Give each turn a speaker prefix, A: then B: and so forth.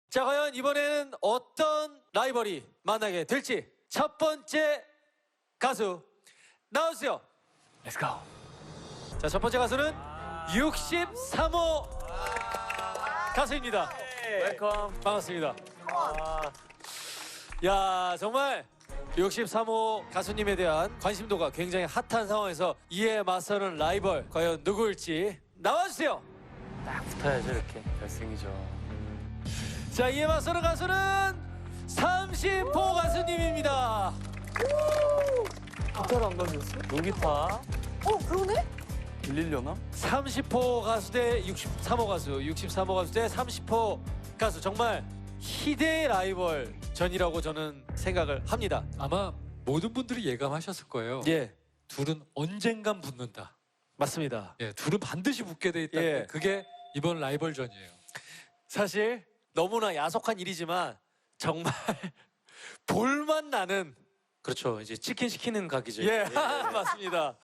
A: 자, 과연 이번에는 어떤 라이벌이 만나게 될지 첫 번째 가수 나와주세요.
B: Let's go.
A: 자, 첫 번째 가수는 63호 가수입니다.
B: 웰컴.
A: 반갑습니다. 야, 정말 63호 가수님에 대한 관심도가 굉장히 핫한 상황에서 이에 맞서는 라이벌 과연 누구일지 나와주세요.
B: 딱 붙어야죠 이렇게. 결승이죠.
A: 자, 이에 맞서는 가수는 30호 가수님입니다.
B: 기타를 안 가져왔어? 농기타.
C: 그러네?
B: 들리려나?
A: 30호 가수 대 63호 가수, 63호 가수 대 30호 가수, 정말 희대의 라이벌 전이라고 저는 생각을 합니다.
D: 아마 모든 분들이 예감하셨을 거예요.
A: 예,
D: 둘은 언젠간 붙는다.
A: 맞습니다.
D: 예, 둘은 반드시 붙게 돼 있다.
A: 예.
D: 그게 이번 라이벌전이에요.
A: 사실 너무나 야속한 일이지만 정말 볼만 나는
B: 그렇죠. 이제 치킨 시키는 각이죠.
A: 예, 맞습니다.